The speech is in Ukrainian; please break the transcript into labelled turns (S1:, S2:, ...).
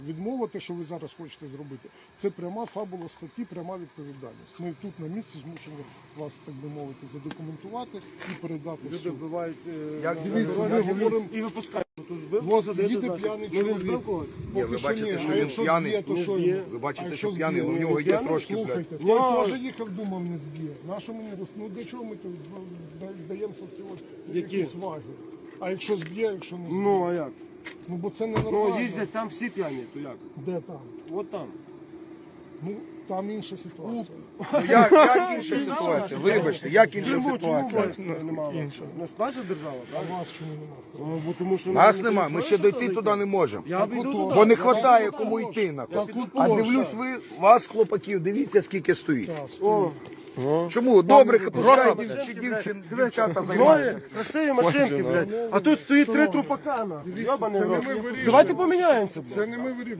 S1: Відмова, те, що ви зараз хочете зробити, це пряма фабула статті, пряма відповідальність. Ми тут на місці змушені вас, так би мовити, задокументувати і передати в
S2: Люди
S1: суд.
S2: вбивають
S1: Дивіться, ми говоримо,
S2: і випускають. Тут збив
S1: от
S2: когось,
S1: їде
S2: значить.
S1: п'яний
S2: Ну, він
S1: чоловік.
S2: збив когось?
S3: Ні, ви
S1: Поки що
S3: бачите,
S1: ні.
S3: що
S1: А
S3: він
S1: якщо
S3: п'яний?
S1: зб'є, то
S2: Не
S1: що
S2: зб'є.
S1: йому?
S3: Ви бачите,
S1: А
S3: що
S1: якщо
S3: п'яний,
S1: зб'є?
S3: ну в нього є трошки, блядь.
S1: Слухайте,
S2: Ну,
S1: хто теж їхав, думав, не зб'є. Нащо мені ну для чого ми тут здаємося в ці от
S2: Які?
S1: якісь ваги? А якщо зб'є, якщо не зб'є?
S2: Ну, а як?
S1: Ну бо це не
S2: Ну,
S1: нормально.
S2: їздять там всі п'яні, то як?
S1: Де там?
S2: От там.
S1: Ну там інша ситуація.
S3: Ну, як інша ситуація? Вибачте, як інша
S2: Чому
S3: ситуація?
S2: немає?
S1: Інша.
S2: Не наша держава,
S1: А
S2: так?
S1: вас чому немає?
S2: Бо тому що
S3: Нас нема, ми ще дойти туди не можемо.
S2: Я б йду туди.
S3: Бо не вистачає кому йти, нахуй.
S1: Так от
S3: А
S1: точно.
S3: дивлюсь, ви, вас, хлопаків, дивіться, скільки стоїть.
S1: Так,
S2: О,
S3: Чому? Добре, пускай дівчата
S2: Двоє
S3: займаються.
S2: красиві машинки, блядь. А тут стоїть три трупакана.
S1: Дивіться, це не ми вирішуємо.
S2: Давайте поміняємося, блядь.
S1: Це не ми вирішуємо.